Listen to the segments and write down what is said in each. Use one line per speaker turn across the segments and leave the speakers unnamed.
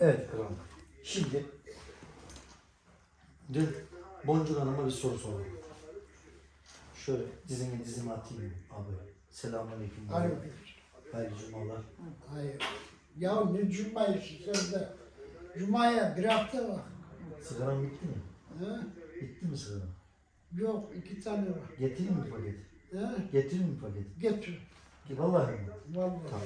Evet kralım. Şimdi dün Boncuk Hanım'a bir soru sordum. Şöyle dizime atayım abi. Selamünaleyküm.
Aleyküm.
Hayırlı cumalar.
Hayır. Ya ne cumayı sen de? Cumaya bir hafta var.
Sigaran bitti mi?
Ha?
Bitti mi sigaran?
Yok 2 tane var.
Getireyim mi paket?
Ha?
Getireyim mi paket?
Getir.
Vallahi mi?
Vallahi.
Tamam.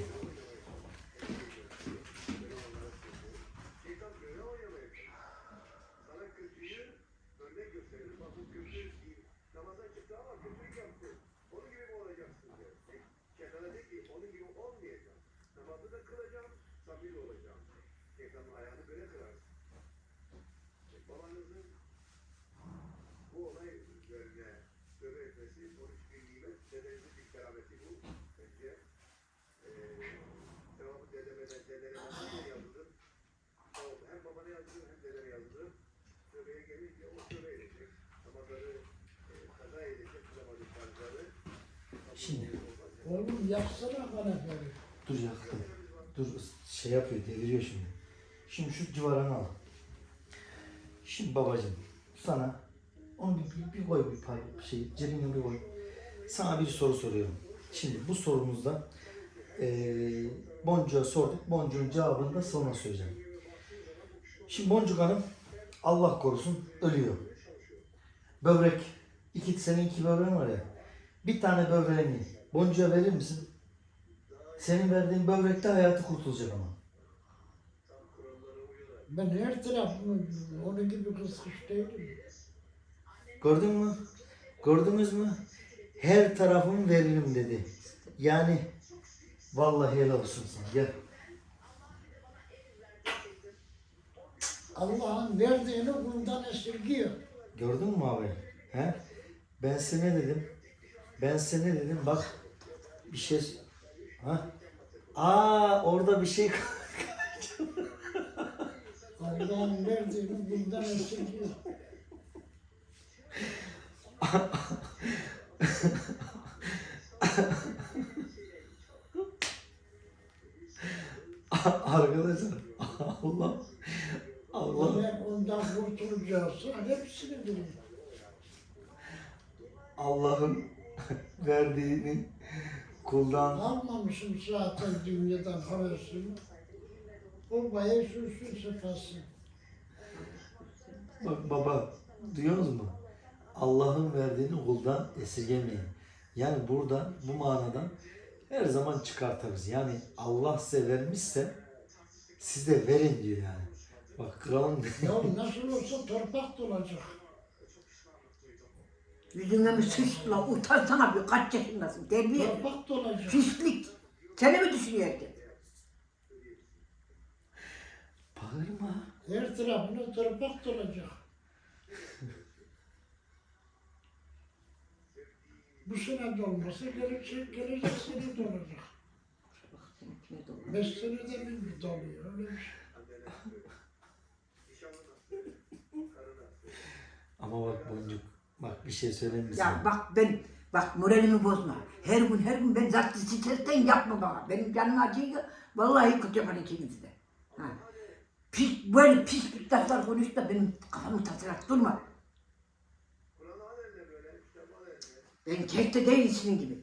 Şimdi
Oğlum yaksana kanepleri.
dur yaktım. Dur şey yapıyor, deviriyor şimdi. Şimdi şu civarını al. Şimdi babacığım sana onu bir koy bir şey cebine bir koy. Sana bir soru soruyorum. Şimdi bu sorumuzda Boncuk'a sorduk. Boncuk'un cevabını da sonra söyleyeceğim. Şimdi Boncuk Hanım Allah korusun ölüyor. Böbrek, senin iki böbreğin var ya. Bir tane böbreğini Boncuk'a verir misin? Senin verdiğin böbrekte hayatı kurtulacak ama.
Ben her tarafımı onun gibi kıskış değilim.
Gördün mü? Gördünüz mü? Her tarafımı veririm dedi. Yani vallahi helal olsun sana. Gel.
Allah'ın verdiğini bundan esirgiyor.
Gördün mü abi? He? Ben sana ne dedim? Ben sana ne dedim? Bak bir şey... Ha? Orada bir şey...
Allah'ın verdiğini bundan esirgiyor.
Arkadaşlar Allah
Eğer ondan kurtulacaksa hepsini bilin.
Allah'ın verdiğini kuldan
Almamışım zaten dünyadan havasını. O bayağı sürsün sefasın.
bak baba duyuyorsunuz mu? Allah'ın verdiğini kuldan esirgemeyin. Yani burada bu manadan her zaman çıkartırız. Yani Allah size vermişse siz de verin diyor yani. Bak kralın
Ya nasıl olsa torpak dolacak.
Yüzüne mi sıçla utansana bir kaç yaşındasın terbiye.
Torpak dolacak.
Pislik. Seni mi düşünüyorsun?
bağırma.
Her tarafına torpak dolacak. Bu sene dolmasa gelecek sene dolacak. 5 senede bir doluyor öyle bir şey.
Ama bak Boncuk, bak bir şey söyleyeyim mi
Ya
sana?
bak moralimi bozma. Her gün ben zaten stresten yapma bana. Benim canım acıyor. Vallahi kötü yapar ikinizi de. Ha. Böyle pis laflar konuş da benim kafamı tatırak durma. Ben kekte değil senin gibi.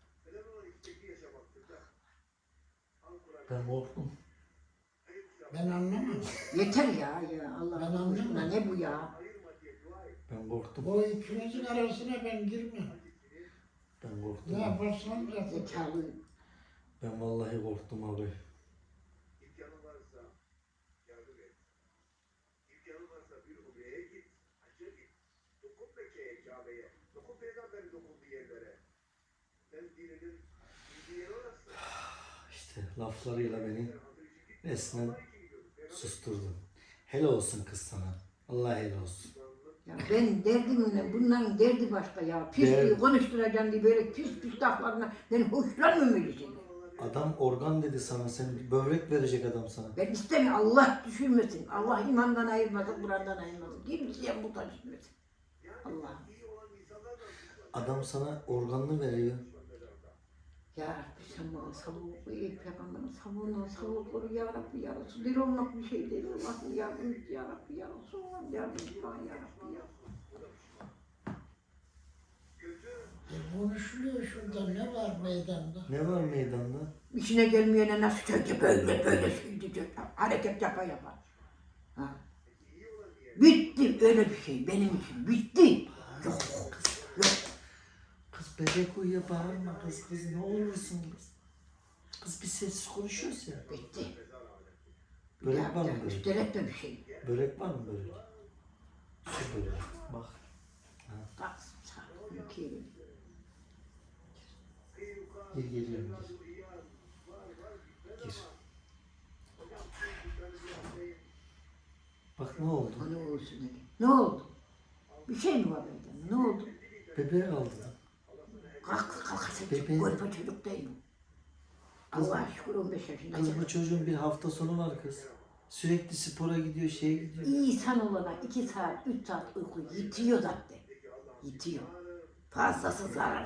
Ben korktum.
Ben anlamam.
Yeter ya Allah
Ben
aşkına
anlamam.
ne bu ya?
Ben korktum.
O ikinizin arasına ben girmem.
Ben korktum.
Ne yaparsan yap.
Zekalı.
Ben vallahi korktum abi. İşte laflarıyla beni resmen susturdu. Helal olsun kız sana. Allah helal olsun.
Ya ben derdimle bunların derdi başka ya. Pisliği konuşturacağım diye böyle pis laflarına ben hoşlanmıyorum öyle şeyler.
Adam organ dedi sana. Sen böbrek verecek adam sana.
Ben istemiyorum Allah düşürmesin. Allah imandan ayırmasın, Kur'an'dan ayırmasın. Kimseye muhtaç etmesin. Allah.
Adam sana organını veriyor.
Ya Rabbi sen bana savuk ve ilk peygamberin savuğundan savuk koru ya Rabbi ya Resul. Deli olmak bir şey değil. Allah'ım yardım et ya Rabbi ya Resul. Yardım et bana ya Rabbi ya.
Konuşuluyor şurada, ne var meydanda?
Ne var meydanda?
İşine gelmeyene nasıl söyleyecek böyle söyleyecek. Hareket yapa yapa. Ha. Bitti öyle bir şey benim için bitti. Yok yok.
Kız bebek uyuyor, bağırma kız ne olursun kız. Kız bir sessiz konuşuyoruz ya.
Bitti.
Börek var mı börek?
Üstelik de bir şey.
Börek var mı börek? Şu börek. Bak.
Bak sağ iki elini.
Gir geliyorum gir. Gir. Bak ne oldu?
Ne olsun dedi. Ne oldu? Bir şey mi var benden? Ne oldu?
Bebeği aldı.
Kalk
Bebeğin-
Golpa çocuk değil mi? Allah'a şükür 15 yaşında.
Kız bu çocuğun bir hafta sonu var kız. Sürekli spora gidiyor, şeye gidiyor.
İnsan olana 2 saat, 3 saat uyku yitiyor zaten. Yitiyor. Fazlası zarar.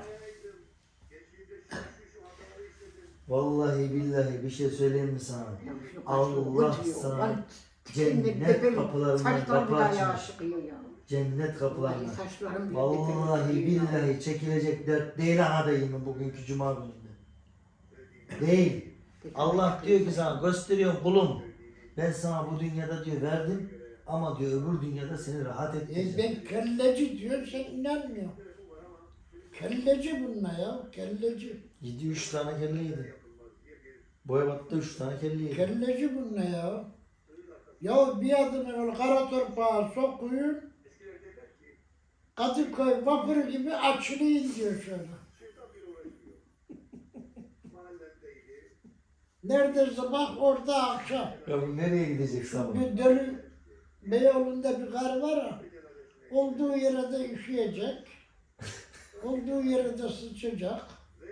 Vallahi billahi bir şey söyleyeyim mi sana?
Ya şunu
Allah
kaçırıyor,
sana
lan
cennet
bebeğim,
kapılarından
saçlarım
kapı
bile ayağa
açmış.
çıkıyor ya.
Cennet kapılarından.
Vallahi saçlarım bile
Vallahi
bebeğim ya.
billahi çekilecek dert değil ha dayımın bugünkü cuma gününde. Değil. Allah diyor ki sana gösteriyor kulum. Ben sana bu dünyada diyor verdim ama diyor öbür dünyada seni rahat ettireceğim.
Ben kelleci diyor, sen inanmıyorsun. Kelleci bunlar ya, kelleci.
Yedi 3 tane kelle yedi. Boyabat'ta 3 tane kelle yedi.
Kelleci bunlar ya. Ya bir adını öyle kara torpağa sokuyun, Kadıköy vapuru gibi açılayın diyor şöyle. Nerede sabah orada akşam.
Ya bu nereye gidecek sabah?
Bir dölü Beyoğlu'nda bir karı var ya, olduğu yere de üşüyecek, olduğu yere de sıçacak.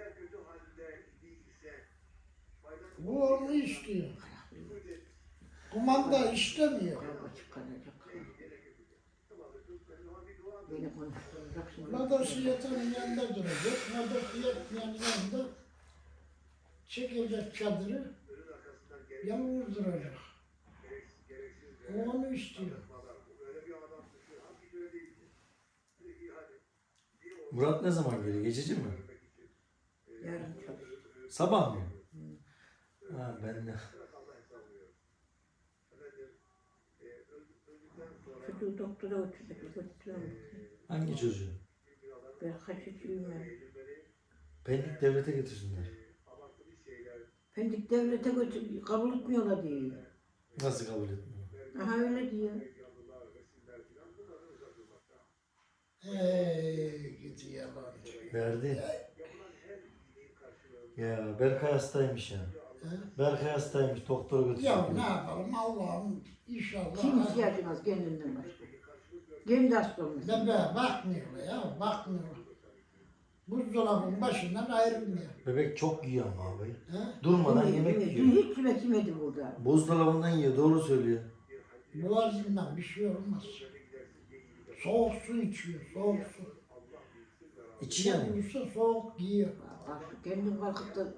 Bu onu istiyor. Kumanda istemiyor.
Kavga çıkaracak. Beni konuşturacak şimdi.
Nadası yatanın yanında duracak, nadası yatmayanın yanında çekecek çadırı, yalnız duracak. O onu istiyor.
Murat ne zaman geliyor? Geçici mi?
Yarın çalış.
Sabah mı? Ha ben de.
Çocuğu doktora götürüyorum.
Hangi çocuğu?
Ben kaçıcıyım ben.
Pendik devlete getirsinler.
Pendik devlete götür, kabul etmiyorlar diyor.
Nasıl kabul etmiyor?
Aha öyle diyor.
Gidi yalancı.
Verdi. Ya Berkay hastaymış ya. Berkay hastaymış. Doktora
Ya
götürdü.
ne yapalım Allah'ım inşallah.
Kim ihtiyacımız kendinden başka. Kendi hasta olmuş.
Bebe bakmıyorlar ya, bakmıyorlar. Buzdolabının başından ayrılmıyor.
Bebek çok yiyor ama abi.
He?
Durmadan
Yemeği,
yemek
yemeği.
yiyor.
Hiç yemek yemedi burada.
Buzdolabından yiyor. Doğru söylüyor.
Boğazından bir şey olmaz. Soğuk su içiyor, soğuk su.
İçiyor mu?
Bulursa soğuk giyiyor.
Bak kendin kalkıp da